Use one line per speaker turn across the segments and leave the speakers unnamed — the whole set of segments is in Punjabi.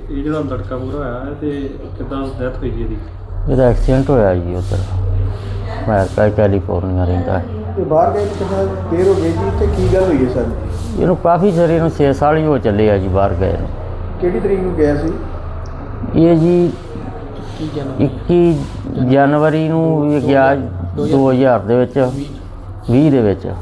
ਇਹ ਜਿਹੜਾ ਲੜਕਾ ਪੂਰਾ ਹੋਇਆ ਹੈ ਤੇ ਕਿੱਦਾਂ ਡੈਥ ਹੋਈ ਜੀ ਇਹਦੀ?
ਇਹਦਾ ਐਕਸੀਡੈਂਟ ਹੋਇਆ ਜੀ ਉੱਧਰ ਅਮਰੀਕਾ ਕੈਲੀਫੋਰਨੀਆ ਰਹਿੰਦਾ ਹੈ।
ਤੇ ਬਾਹਰ ਗਏ ਕਿੰਨਾ ਦੇਰ ਹੋ ਗਈ ਜੀ ਤੇ ਕੀ ਗੱਲ ਹੋਈ ਹੈ ਸਰ?
ਇਹਨੂੰ ਕਾਫੀ ਚਿਰ, ਇਹਨੂੰ 6 ਸਾਲ ਹੀ ਹੋ ਚੱਲੇ ਆ ਜੀ ਬਾਹਰ ਗਏ ਨੂੰ।
ਕਿਹੜੀ ਤਰੀਕ ਨੂੰ ਗਿਆ ਸੀ?
ਇਹ ਜੀ 21 ਜਨਵਰੀ ਨੂੰ ਇਹ ਗਿਆ 2000 ਦੇ ਵਿੱਚ 20 ਦੇ ਵਿੱਚ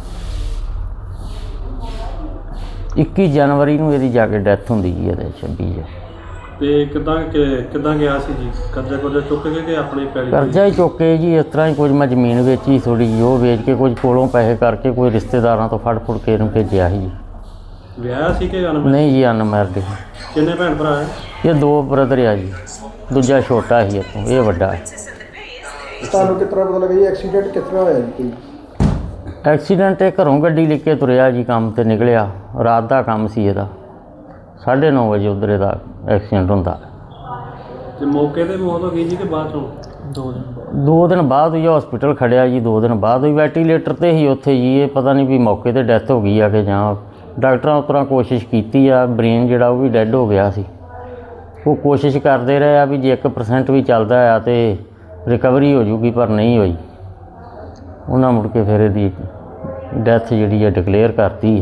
21 ਜਨਵਰੀ ਨੂੰ ਇਹਦੀ ਜਾ ਕੇ ਡੈਥ ਹੁੰਦੀ ਜੀ ਇਹਦੇ 26 ਚ।
ਤੇ ਕਿੱਦਾਂ ਗਿਆ ਸੀ ਜੀ? ਕਰਜ਼ਾ ਚੁੱਕ ਕੇ ਕਿ ਆਪਣੇ ਪੈਲੀ?
ਕਰਜ਼ਾ ਹੀ ਚੁੱਕ ਕੇ ਜੀ, ਇਸ ਤਰ੍ਹਾਂ ਹੀ ਕੁਝ ਮੈਂ ਜ਼ਮੀਨ ਵੇਚੀ ਥੋੜ੍ਹੀ ਜਿਹੀ, ਉਹ ਵੇਚ ਕੇ ਕੁਝ ਕੋਲੋਂ ਪੈਸੇ ਕਰਕੇ ਕੋਈ ਰਿਸ਼ਤੇਦਾਰਾਂ ਤੋਂ ਫੜ ਕੇ ਇਹਨੂੰ ਭੇਜਿਆ ਸੀ ਜੀ।
ਵਿਆਹ ਸੀ ਕਿ ਅਨਮੈਰਿਡ?
ਨਹੀਂ ਜੀ, ਅਨਮੈਰਿਡ।
ਕਿੰਨੇ ਭੈਣ ਭਰਾ ਹੈ?
ਇਹ 2 ਬ੍ਰਦਰ ਆ ਜੀ, ਦੂਜਾ ਛੋਟਾ ਸੀ ਇੱਥੋਂ, ਇਹ ਵੱਡਾ ਹੈ।
ਤੁਹਾਨੂੰ ਕਿਸ ਤਰ੍ਹਾਂ ਪਤਾ ਲੱਗਾ ਜੀ ਐਕਸੀਡੈਂਟ ਕਿਸ ਤਰ੍ਹਾਂ ਹੋਇਆ ਜੀ?
ਐਕਸੀਡੈਂਟ ਇਹ ਘਰੋਂ ਗੱਡੀ ਲੈ ਕੇ ਤੁਰਿਆ ਜੀ, ਕੰਮ 'ਤੇ ਨਿਕਲਿਆ, ਰਾਤ ਦਾ ਕੰਮ ਸੀ ਇਹਦਾ, 9:30 ਵਜੇ ਉੱਧਰ ਇਹਦਾ ਐਕਸੀਡੈਂਟ ਹੁੰਦਾ।
ਤੇ ਮੌਕੇ 'ਤੇ ਮੌਤ ਹੋ ਗਈ ਜੀ ਕਿ ਬਾਅਦ ਚੋਂ?
2 ਦਿਨ ਬਾਅਦ ਹੀ ਹਸਪੀਟਲ ਖੜਿਆ ਜੀ, 2 ਦਿਨ ਬਾਅਦ ਹੀ ਵੈਂਟੀਲੇਟਰ 'ਤੇ ਹੀ ਉੱਥੇ ਜੀ। ਇਹ ਪਤਾ ਨਹੀਂ ਵੀ ਮੌਕੇ 'ਤੇ ਡੈਥ ਹੋ ਗਈ ਆ ਕਿ ਜਾਂ ਡਾਕਟਰਾਂ ਉਸ ਤਰ੍ਹਾਂ ਕੋਸ਼ਿਸ਼ ਕੀਤੀ ਆ, ਬ੍ਰੇਨ ਜਿਹੜਾ ਉਹ ਵੀ ਡੈੱਡ ਹੋ ਗਿਆ ਸੀ। ਉਹ ਕੋਸ਼ਿਸ਼ ਕਰਦੇ ਰਹੇ ਆ ਵੀ ਜੇ 1% ਵੀ ਚੱਲਦਾ ਆ ਤੇ ਰਿਕਵਰੀ ਹੋ ਜੂਗੀ, ਪਰ ਨਹੀਂ ਹੋਈ। ਉਹਨਾਂ ਮੁੜ ਕੇ ਫਿਰ ਇਹਦੀ ਡੈਥ ਜਿਹੜੀ ਆ ਡਿਕਲੇਅਰ ਕਰਤੀ।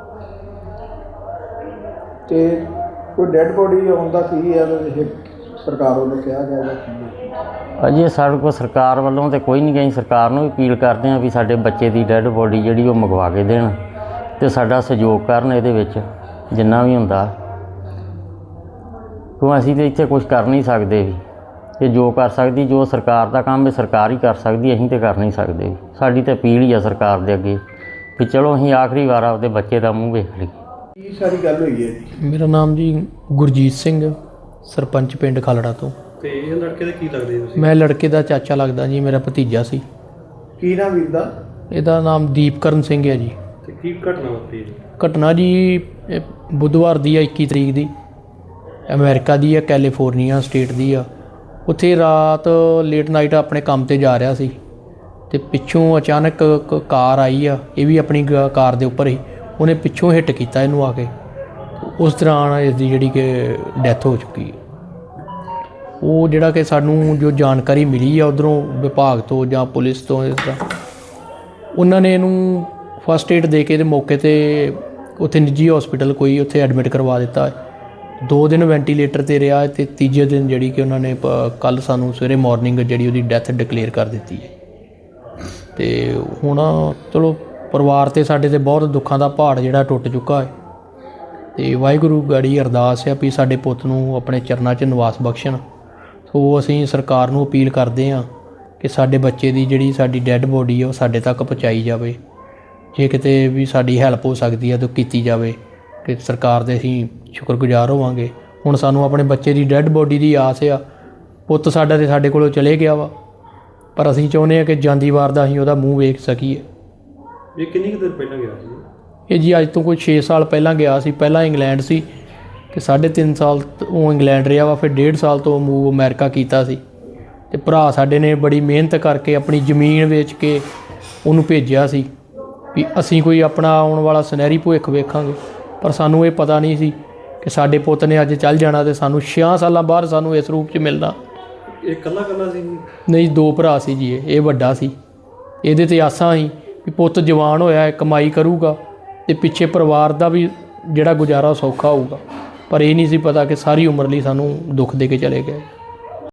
ਤੇ ਕੋਈ ਡੈੱਡ ਬੋਡੀ ਆਉਣ ਦਾ ਕੀ ਹੈ ਸਰਕਾਰ ਵੱਲੋਂ ਕਿਹਾ ਗਿਆ ਜਾਂ ਕੀ?
ਅਜੇ ਸਾਡੇ ਕੋਲ ਸਰਕਾਰ ਵੱਲੋਂ ਤਾਂ ਕੋਈ ਨਹੀਂ ਗਈ। ਸਰਕਾਰ ਨੂੰ ਵੀ ਅਪੀਲ ਕਰਦੇ ਹਾਂ ਵੀ ਸਾਡੇ ਬੱਚੇ ਦੀ ਡੈੱਡ ਬੋਡੀ ਜਿਹੜੀ ਉਹ ਮੰਗਵਾ ਕੇ ਦੇਣ ਅਤੇ ਸਾਡਾ ਸਹਿਯੋਗ ਕਰਨ ਇਹਦੇ ਵਿੱਚ ਜਿੰਨਾ ਵੀ ਹੁੰਦਾ, ਕਿਉਂ ਅਸੀਂ ਤਾਂ ਇੱਥੇ ਕੁਝ ਕਰ ਨਹੀਂ ਸਕਦੇ ਵੀ। ਇਹ ਜੋ ਕਰ ਸਕਦੀ, ਜੋ ਸਰਕਾਰ ਦਾ ਕੰਮ ਹੈ ਸਰਕਾਰ ਹੀ ਕਰ ਸਕਦੀ, ਅਸੀਂ ਤਾਂ ਕਰ ਨਹੀਂ ਸਕਦੇ ਵੀ। ਸਾਡੀ ਤਾਂ ਅਪੀਲ ਹੀ ਆ ਸਰਕਾਰ ਦੇ ਅੱਗੇ ਵੀ ਚਲੋ ਅਸੀਂ ਆਖਰੀ ਵਾਰ ਆਪਦੇ ਬੱਚੇ ਦਾ ਮੂੰਹ ਵੇਖ ਲਈਏ।
ਕੀ ਸਾਰੀ ਗੱਲ ਹੋਈ ਹੈ ਜੀ?
ਮੇਰਾ ਨਾਮ ਜੀ ਗੁਰਜੀਤ ਸਿੰਘ, ਸਰਪੰਚ ਪਿੰਡ ਖਾਲੜਾ ਤੋਂ।
ਤੇ ਇਹ ਲੜਕੇ ਦੇ ਕੀ ਲੱਗਦੇ ਤੁਸੀਂ?
ਮੈਂ ਲੜਕੇ ਦਾ ਚਾਚਾ ਲੱਗਦਾ ਜੀ, ਮੇਰਾ ਭਤੀਜਾ ਸੀ।
ਕੀ ਨਾਮ ਵੀਰ ਦਾ?
ਇਹਦਾ ਨਾਮ ਦੀਪਕਰਨ ਸਿੰਘ ਹੈ ਜੀ।
ਤੇ ਕੀ ਘਟਨਾ ਵਾਪਰੀ ਜੀ?
ਘਟਨਾ ਜੀ ਇਹ ਬੁੱਧਵਾਰ ਦੀ ਆ, 21 ਤਰੀਕ ਦੀ, ਅਮਰੀਕਾ ਦੀ ਆ, ਕੈਲੀਫੋਰਨੀਆ ਸਟੇਟ ਦੀ ਆ। ਉੱਥੇ ਰਾਤ ਲੇਟ ਨਾਈਟ ਆਪਣੇ ਕੰਮ 'ਤੇ ਜਾ ਰਿਹਾ ਸੀ ਅਤੇ ਪਿੱਛੋਂ ਅਚਾਨਕ ਕਾਰ ਆਈ ਆ, ਇਹ ਵੀ ਆਪਣੀ ਕਾਰ ਦੇ ਉੱਪਰ ਹੀ, ਉਹਨੇ ਪਿੱਛੋਂ ਹਿੱਟ ਕੀਤਾ ਇਹਨੂੰ ਆ ਕੇ। ਉਸ ਦੌਰਾਨ ਇਸ ਦੀ ਜਿਹੜੀ ਕਿ ਡੈਥ ਹੋ ਚੁੱਕੀ ਹੈ। ਉਹ ਜਿਹੜਾ ਕਿ ਸਾਨੂੰ ਜੋ ਜਾਣਕਾਰੀ ਮਿਲੀ ਆ ਉੱਧਰੋਂ ਵਿਭਾਗ ਤੋਂ ਜਾਂ ਪੁਲਿਸ ਤੋਂ, ਇਸ ਤਰ੍ਹਾਂ ਉਹਨਾਂ ਨੇ ਇਹਨੂੰ ਫਸਟ ਏਡ ਦੇ ਕੇ ਤੇ ਮੌਕੇ 'ਤੇ ਉੱਥੇ ਨਿੱਜੀ ਹਸਪੀਟਲ ਕੋਈ ਉੱਥੇ ਐਡਮਿਟ ਕਰਵਾ ਦਿੱਤਾ। 2 ਦਿਨ ਵੈਂਟੀਲੇਟਰ 'ਤੇ ਰਿਹਾ ਅਤੇ ਤੀਜੇ ਦਿਨ ਜਿਹੜੀ ਕਿ ਉਹਨਾਂ ਨੇ ਕੱਲ੍ਹ ਸਾਨੂੰ ਸਵੇਰੇ ਮਾਰਨਿੰਗ ਜਿਹੜੀ ਉਹਦੀ ਡੈਥ ਡਿਕਲੇਅਰ ਕਰ ਦਿੱਤੀ ਹੈ। ਅਤੇ ਹੁਣ ਚਲੋ ਪਰਿਵਾਰ 'ਤੇ ਸਾਡੇ 'ਤੇ ਬਹੁਤ ਦੁੱਖਾਂ ਦਾ ਪਹਾੜ ਜਿਹੜਾ ਟੁੱਟ ਚੁੱਕਾ ਹੈ ਅਤੇ ਵਾਹਿਗੁਰੂ ਗਾੜੀ ਅਰਦਾਸ ਆ ਵੀ ਸਾਡੇ ਪੁੱਤ ਨੂੰ ਆਪਣੇ ਚਰਨਾਂ 'ਚ ਨਿਵਾਸ ਬਖਸ਼ਣ। ਸੋ ਅਸੀਂ ਸਰਕਾਰ ਨੂੰ ਅਪੀਲ ਕਰਦੇ ਹਾਂ ਕਿ ਸਾਡੇ ਬੱਚੇ ਦੀ ਜਿਹੜੀ ਸਾਡੀ ਡੈੱਡ ਬੋਡੀ ਹੈ ਉਹ ਸਾਡੇ ਤੱਕ ਪਹੁੰਚਾਈ ਜਾਵੇ। ਜੇ ਕਿਤੇ ਵੀ ਸਾਡੀ ਹੈਲਪ ਹੋ ਸਕਦੀ ਹੈ ਤਾਂ ਕੀਤੀ ਜਾਵੇ ਕਿ ਸਰਕਾਰ ਦੇ ਅਸੀਂ ਸ਼ੁਕਰਗੁਜ਼ਾਰ ਹੋਵਾਂਗੇ। ਹੁਣ ਸਾਨੂੰ ਆਪਣੇ ਬੱਚੇ ਦੀ ਡੈੱਡ ਬੋਡੀ ਦੀ ਆਸ ਆ। ਪੁੱਤ ਸਾਡਾ ਤੇ ਸਾਡੇ ਕੋਲੋਂ ਚਲੇ ਗਿਆ ਵਾ, ਪਰ ਅਸੀਂ ਚਾਹੁੰਦੇ ਹਾਂ ਕਿ ਜਾਂਦੀ ਵਾਰ ਦਾ ਅਸੀਂ ਉਹਦਾ ਮੂੰਹ ਵੇਖ ਸਕੀਏ।
ਇਹ ਕਿੰਨੀ ਕੁ ਦੇਰ ਪਹਿਲਾਂ ਗਿਆ ਸੀ?
ਇਹ ਜੀ ਅੱਜ ਤੋਂ ਕੋਈ 6 ਸਾਲ ਪਹਿਲਾਂ ਗਿਆ ਸੀ। ਪਹਿਲਾਂ ਇੰਗਲੈਂਡ ਸੀ ਅਤੇ 3.5 ਸਾਲ ਉਹ ਇੰਗਲੈਂਡ ਰਿਹਾ ਵਾ, ਫਿਰ 1.5 ਸਾਲ ਤੋਂ ਮੂਵ ਅਮਰੀਕਾ ਕੀਤਾ ਸੀ। ਅਤੇ ਭਰਾ ਸਾਡੇ ਨੇ ਬੜੀ ਮਿਹਨਤ ਕਰਕੇ ਆਪਣੀ ਜ਼ਮੀਨ ਵੇਚ ਕੇ ਉਹਨੂੰ ਭੇਜਿਆ ਸੀ ਵੀ ਅਸੀਂ ਕੋਈ ਆਪਣਾ ਆਉਣ ਵਾਲਾ ਸੁਨਹਿਰੀ ਭਵਿੱਖ ਵੇਖਾਂਗੇ। ਪਰ ਸਾਨੂੰ ਇਹ ਪਤਾ ਨਹੀਂ ਸੀ ਕਿ ਸਾਡੇ ਪੁੱਤ ਨੇ ਅੱਜ ਚੱਲ ਜਾਣਾ ਅਤੇ ਸਾਨੂੰ 6 ਸਾਲਾਂ ਬਾਅਦ ਸਾਨੂੰ ਇਸ ਰੂਪ 'ਚ ਮਿਲਣਾ।
ਇਹ ਇਕੱਲਾ ਸੀ?
ਨਹੀਂ, 2 ਭਰਾ ਸੀ ਜੀ। ਇਹ ਵੱਡਾ ਸੀ। ਇਹਦੇ 'ਤੇ ਆਸਾਂ ਸੀ ਵੀ ਪੁੱਤ ਜਵਾਨ ਹੋਇਆ, ਕਮਾਈ ਕਰੂਗਾ ਅਤੇ ਪਿੱਛੇ ਪਰਿਵਾਰ ਦਾ ਵੀ ਜਿਹੜਾ ਗੁਜ਼ਾਰਾ ਸੌਖਾ ਹੋਊਗਾ। ਪਰ ਇਹ ਨਹੀਂ ਸੀ ਪਤਾ ਕਿ ਸਾਰੀ ਉਮਰ ਲਈ ਸਾਨੂੰ ਦੁੱਖ ਦੇ ਕੇ ਚਲੇ ਗਏ।